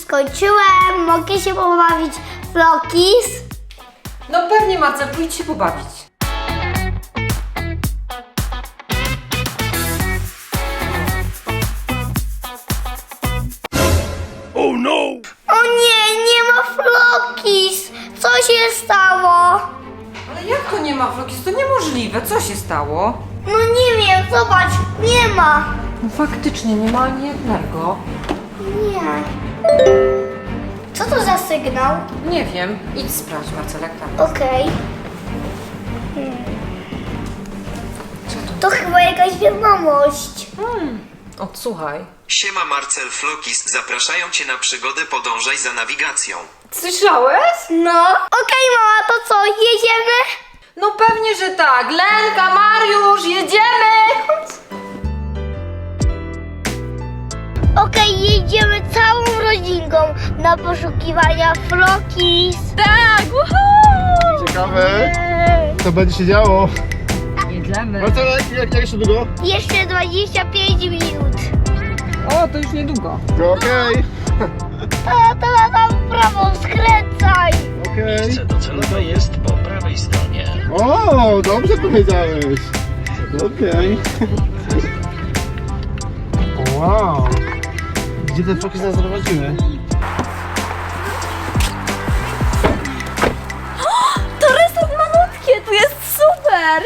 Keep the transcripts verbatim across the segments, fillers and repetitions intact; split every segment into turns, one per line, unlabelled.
skończyłem. Mogę się pobawić w Flokis?
No pewnie, Marcel, pójdź się pobawić.
O nie, nie ma Flokis! Co się stało?
Ale jak to nie ma Flokis? To niemożliwe. Co się stało?
No nie wiem, zobacz, nie ma.
No faktycznie, nie ma ani jednego.
Nie. Co to za sygnał?
Nie wiem. Idź sprawdź, Marcel, jak tam.
Okej. Hmm. To chyba jakaś wiadomość.
Hmm. Odsłuchaj.
Siema Marcel Flokis, zapraszają Cię na przygodę Podążaj za nawigacją.
Słyszałeś?
No. Okej, mama, to co, jedziemy?
No pewnie, że tak. Lenka, Mariusz, jedziemy!
Okej, jedziemy całą rodzinką na poszukiwania Flokis. Tak, woohoo!
Ciekawe, co będzie się działo.
Jedziemy.
No to jak, jak, jak jeszcze długo?
Jeszcze dwadzieścia pięć minut.
O, to już niedługo.
No okej,
A teraz tam w prawo skręcaj.
okej.
Miejsce docelowe jest po prawej stronie.
O, dobrze powiedziałeś. Okej. Wow. Gdzie te foki nas zaprowadziły?
To resort malutkie, tu jest super.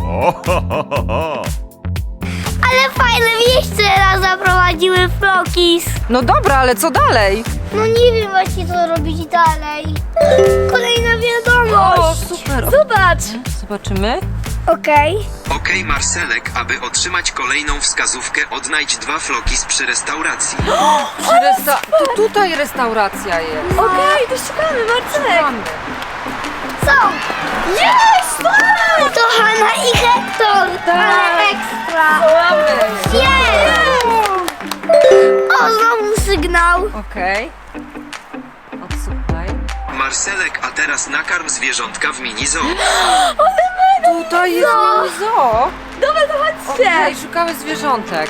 Ale fajne miejsce nas zaprowadziły Flokis.
No dobra, ale co dalej?
No nie wiem właśnie co robić dalej. Kolejna wiadomość.
super.
Zobacz.
Zobaczymy.
Okej.
Okej Marcelek, aby otrzymać kolejną wskazówkę, odnajdź dwa Flokis przy restauracji.
Przy resta- to tutaj restauracja jest.
Okej, to szukamy, Marcelek.
Mamy.
Są. Jest! To Hanna i Hektor. Ale ekstra.
Mamy.
Jest! O, znowu sygnał.
Okej. Odsłuchaj.
Marcelek, a teraz nakarm zwierzątka w mini zoo.
Tutaj jest mini zoo.
Dobra, to chodźcie.
Okej, szukamy zwierzątek.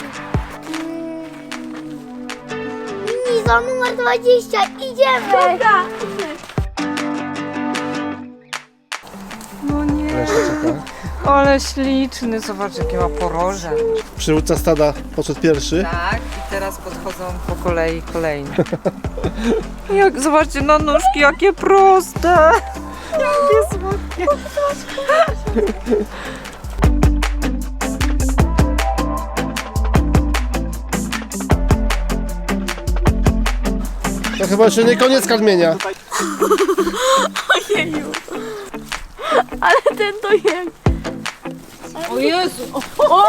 Mizo numer dwadzieścia, idziemy. Dobra.
No nie. Ale śliczny. Zobacz, jakie ma poroże.
Przywódca stada poszedł pierwszy.
Tak, i teraz podchodzą po kolei kolejne. Jak, zobaczcie na nóżki, jakie proste. Jakie słodkie.
To chyba jeszcze nie koniec karmienia.
Ojeju. Ale ten to jest.
O Jezu! O! O!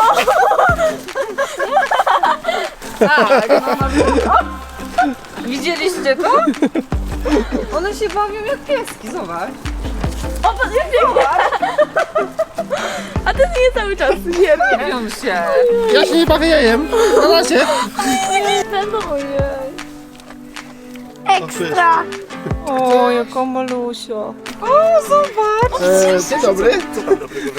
Tak, no na pewno. Widzieliście to? One się bawią jak pieski, zobacz.
O, patrz, jak biegnie. A ten nie cały czas nie
Bawią się.
Ja się nie bawię jajem. Na razie.
Będą, ojej. Ekstra.
O, jaka malusia. O, zobacz.
E, dzień dobry. Co tam dobrego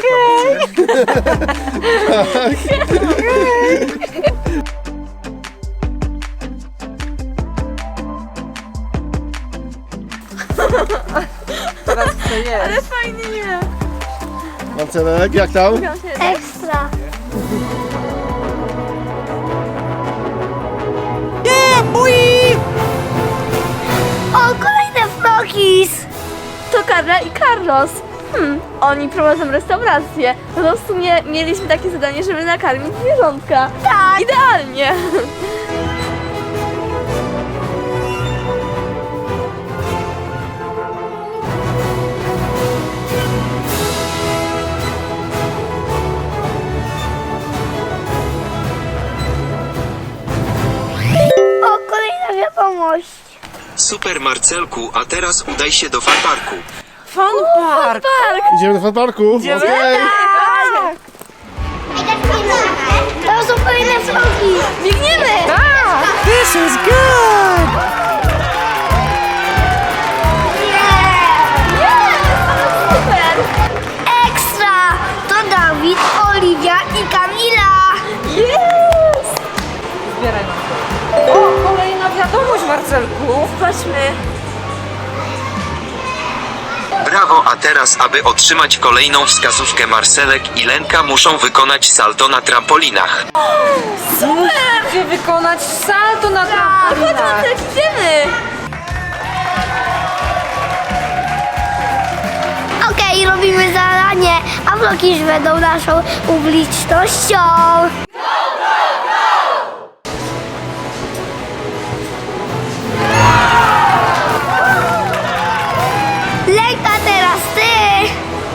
Teraz chcę jeść.
Ale fajnie nie.
Marcelek, jak tam?
Ekstra. O, kolejne Flokis!
To Karla i Carlos. Hmm, oni prowadzą restaurację. No to w sumie mieliśmy takie zadanie, żeby nakarmić zwierzątka.
Tak.
Idealnie.
O, kolejna wiadomość.
Super Marcelku, a teraz udaj się do farparku.
Fun park.
Idziemy do fanparku? Idziemy. Okay.
To są kolejne Flokis.
Biegniemy!
Tak, this is good.
Super!
Ekstra! To Dawid, Oliwia i Kamila.
Jest! Zbieraj nam to. O, kolejna wiadomość, Marcel. Marcelku.
Zobaczmy.
Brawo, a teraz aby otrzymać kolejną wskazówkę Marcelek i Lenka muszą wykonać salto na trampolinach.
Musicie wykonać salto na
Chodź,
trampolinach.
Marcelek, idziemy.
Okej, robimy zadanie, a vlogi już będą naszą publicznością. Lenka, teraz ty!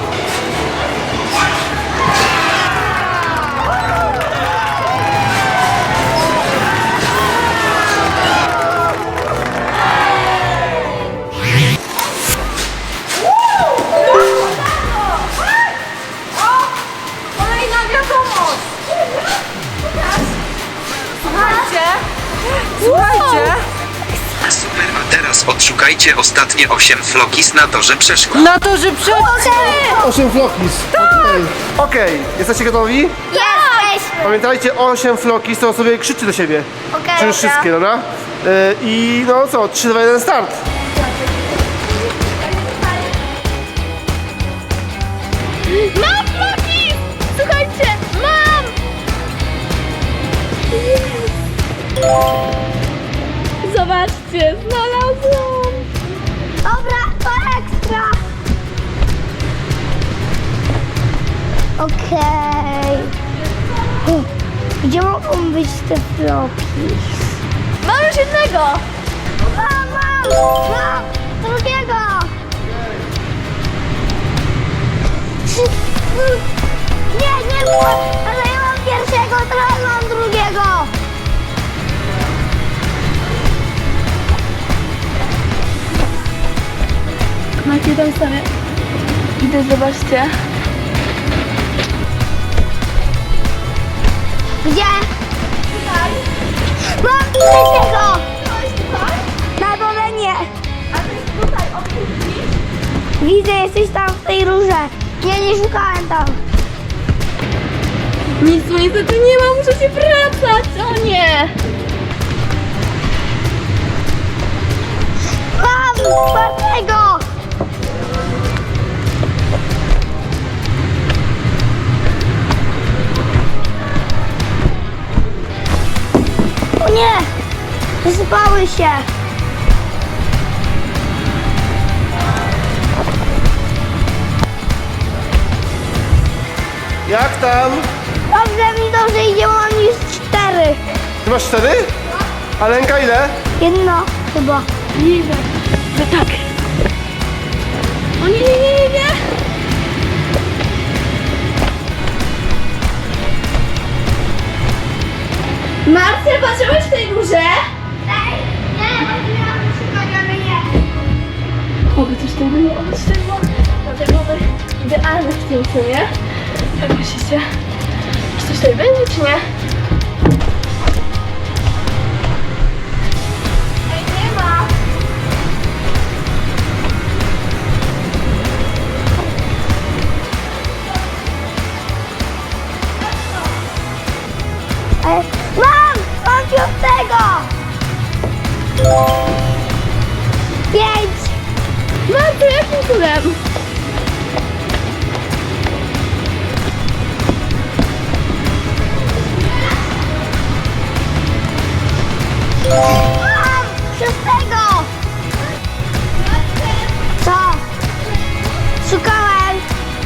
Kolejna wiadomość. Słuchajcie. Słuchajcie.
Super, a teraz odszukajcie ostatnie osiem flokis na torze przeszkód.
Na to, że przed...
osiem flokis. Okej, Okej, jesteście gotowi?
Jesteśmy!
Pamiętajcie, osiem flokis, to sobie krzyczy do siebie.
Okej,
Czy już
dobra.
wszystkie, dobra? Yy, I no co, trzy, dwa, jeden, start.
Mam floki! Słuchajcie, mam! Zobaczcie, znalazłam!
Dobra, to ekstra! Okej. U, Gdzie mogą być te floki?
Mam już jednego!
Mam, mam! Mam! Drugiego! Trzy- mm. Nie, nie było! Ale ja mam pierwszego, teraz mam drugiego!
Macie tam sobie. Idę, zobaczcie.
Gdzie? Mam trzeciego! Na dole nie! Widzę, jesteś tam w tej rurze. Nie, nie szukałem tam.
Nic tu niestety nie ma, muszę się wracać! O nie!
Mam czwartego! O nie! Wysypały się!
Jak tam?
Dobrze mi dobrze idzie, bo mam już cztery.
Ty masz cztery? A Lenka ile?
Jedno chyba.
Idę. To tak. O nie, nie, nie, nie, nie! Marcel, patrzyłeś w tej górze?
Ej, nie, bo nie mam szukać, ale nie.
Oby coś tam było, oby coś tam było. Dlatego byłoby idealne w tym filmie. Jak myślicie? Czy coś tutaj będzie, czy nie?
Ej, nie ma. Ej, mam! Mam piątego! Pięć!
Marcel, jakim cudem?
Mam! Szóstego! Co? Szukałem!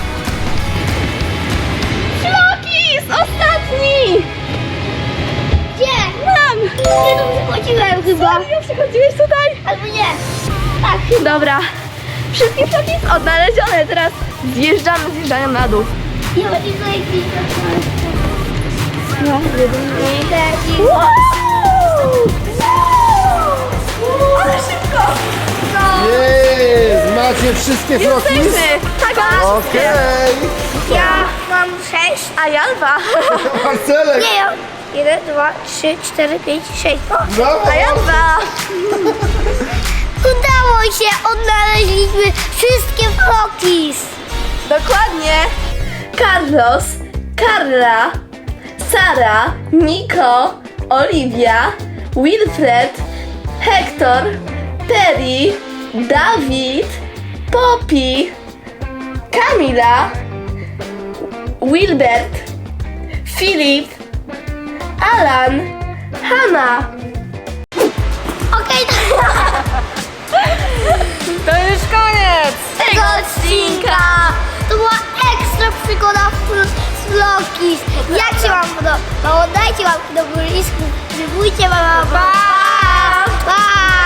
Flokis! Ostatni!
Gdzie?
Mam!
Nie tu przychodziłem chyba.
Serio, przychodziłeś tutaj?
Albo nie. Tak.
Dobra. Wszystkie flokis odnalezione. Teraz zjeżdżamy, zjeżdżają na dół.
Nie chodzi do jakiejś
No,
Wow!
ale szybko!
Jest! Macie wszystkie flokis?
Jesteśmy! Tak,
Okej!
Ja mam sześć.
a ja dwa.
Marcelek!
Nie, ja. Jeden, dwa, trzy, cztery, pięć, sześć. O,
Brawo!
A ja dwa.
udało się! Odnaleźliśmy wszystkie flokis.
Dokładnie. Carlos, Carla, Sara, Nico, Olivia, Wilfred, Hector, Terry, Dawid, Poppy, Kamila, Wilbert, Filip, Alan, Hanna.
Okej,
To już koniec!
tego odcinka. To była ekstra przygoda z vlogis. Jak się wam podobało? Dajcie łapki do góry i subskrybujcie. Pa! Pa! Pa!